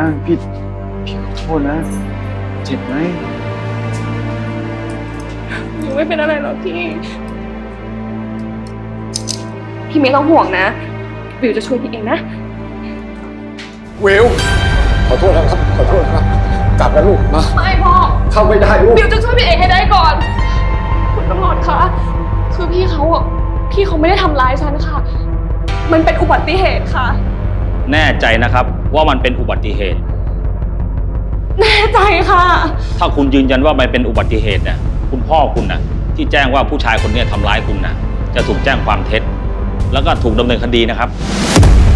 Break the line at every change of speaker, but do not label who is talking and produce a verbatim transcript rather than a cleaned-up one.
างพี่พี่ขอโทษนะเจ็บไหม
หนูไม่เป็นอะไรหรอกพี่พี่ไม่ต้องห่วงนะวิวจะช่วยพี่เองนะ
วิวขอโทษนะครับขอโทษนะครับกลับนะลูกมา
ไม่พ่อ
เข้าไม่ได้ลูก
วิวจะช่วยพี่เองให้ได้ก่อนคุณตำรวจคะคือพี่เขาอ่ะพี่เขาไม่ได้ทำร้ายฉันค่ะมันเป็นอุบัติเหตุค่ะ
แน่ใจนะครับว่ามันเป็นอุบัติเหตุ
แน่ใจค่ะ
ถ้าคุณยืนยันว่ามันเป็นอุบัติเหตุเนี่ยคุณพ่อคุณนะที่แจ้งว่าผู้ชายคนนี้ทำร้ายคุณนะจะถูกแจ้งความเท็จแล้วก็ถูกดำเนินคดีนะครับ